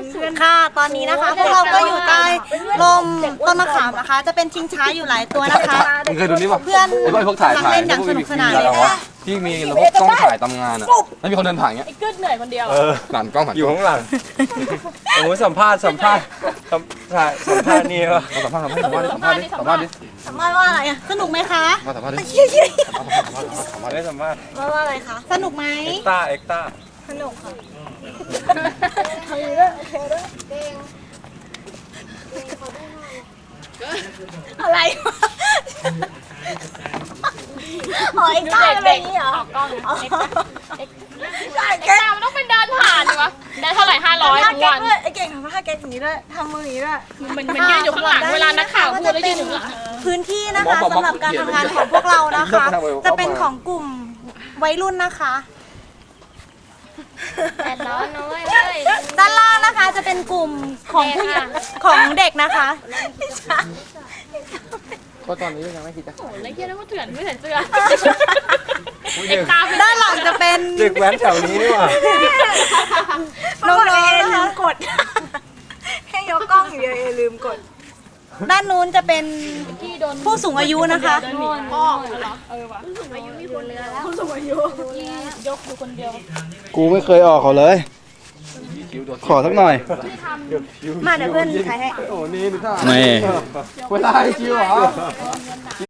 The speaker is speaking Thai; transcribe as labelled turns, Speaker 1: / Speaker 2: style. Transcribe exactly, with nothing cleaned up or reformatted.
Speaker 1: ค่ะตอนนี้นะคะพวกเราก็อยู่ใต้ลมต้นมะขามนะคะ จะเป็นชิงช้าอยู่หลายตัวนะคะ
Speaker 2: มึงเคยดูนี่ป่ะ
Speaker 1: เพื่อน
Speaker 2: ไอ้พวกถ่าย
Speaker 1: กำลัง
Speaker 2: ถ่าย
Speaker 1: เล่นอย่างสนุกสนานเลย
Speaker 2: วะที่มีระบบกล้องถ่ายตำงานอ่ะแล้วมีคนเดินผ่านเงี้ย
Speaker 3: ไอ้กึดเหนื่อยคนเดียว
Speaker 4: เออ
Speaker 2: หลานกล้องผ่าน
Speaker 4: อยู่ข้างหลังโอ้ยสัมภาษณ์สัมภาษณ์สัมภาษณ์สัมภาษณ์นี่วะ
Speaker 2: สัมภาษณ์สัมภาษณ์สัมภาษณ์ดิสัมภาษณ์ดิ
Speaker 1: สัมภาษณ์ว่าอะไรอะสนุกไหมคะ
Speaker 2: มาสัมภาษณ์ดิ
Speaker 4: ได้สัมภาษณ์
Speaker 1: ว่าว่าอะไรคะสนุกไหม
Speaker 4: เอ็กต้าเอ็กต้า
Speaker 1: สนุกค่ะอะไรวะอ๋อไอ้ก้าเป็นแบบนี้เหรอ
Speaker 3: ออกกล้องเอ็กซ์เอ็กซ์เอ็กซ์มันต้องเป็นเดินผ่านดิวะได้เท่าไหร่ห้าร้อยทุกวัน
Speaker 1: ไอ้เก่งทำท่าแก๊กอย่างนี้ด้วยทำมืออย่างนี้ด้วย
Speaker 3: มันมันยืนอยู่ข้างหลังเวลานักข่าวพูดแล้วยืนอยู่ข้างหลัง
Speaker 1: พื้นที่นะคะสำหรับการทำงานของพวกเรานะคะ จะเป็นของกลุ่มวัยรุ่นนะคะ
Speaker 3: แต่ร้อนนะเว้ย
Speaker 1: ด้านล่างนะคะจะเป็นกลุ่มของผู้ใหญ่ของเด็กนะคะ
Speaker 2: ก็ตอนนี้ยังไม่คิดจะ
Speaker 3: โอ้ยแล้วเฮียนึกว่าเถื่อนไม่ใส่เสื้อเอ็กซ์ตา
Speaker 1: ด้านหลังจะเป็น
Speaker 4: เด็กแว้นแถวนี้นี่หว่า
Speaker 1: น้องๆนะคะ
Speaker 5: กด ให้ยกกล้องอย่างเดียวเอลืมกด
Speaker 1: ด้านนู้นจะเป็น
Speaker 3: ที่โดน
Speaker 1: ผู้สูงอายุนะคะ
Speaker 3: เดินหนีพ่อเหรอเออว่ะผู้สูงอายุมีคนเรือแล้วผู้สูงอายุที่ยกอยู่คนเดียว
Speaker 6: กูไม่เคยออกเขาเลย ขอสักหน่อย
Speaker 1: มาเดี๋ยวเพื่อนถ่ายให้
Speaker 2: โอ้นี่ดูท่า
Speaker 6: นี่
Speaker 2: เวลาให้คิวเหรอ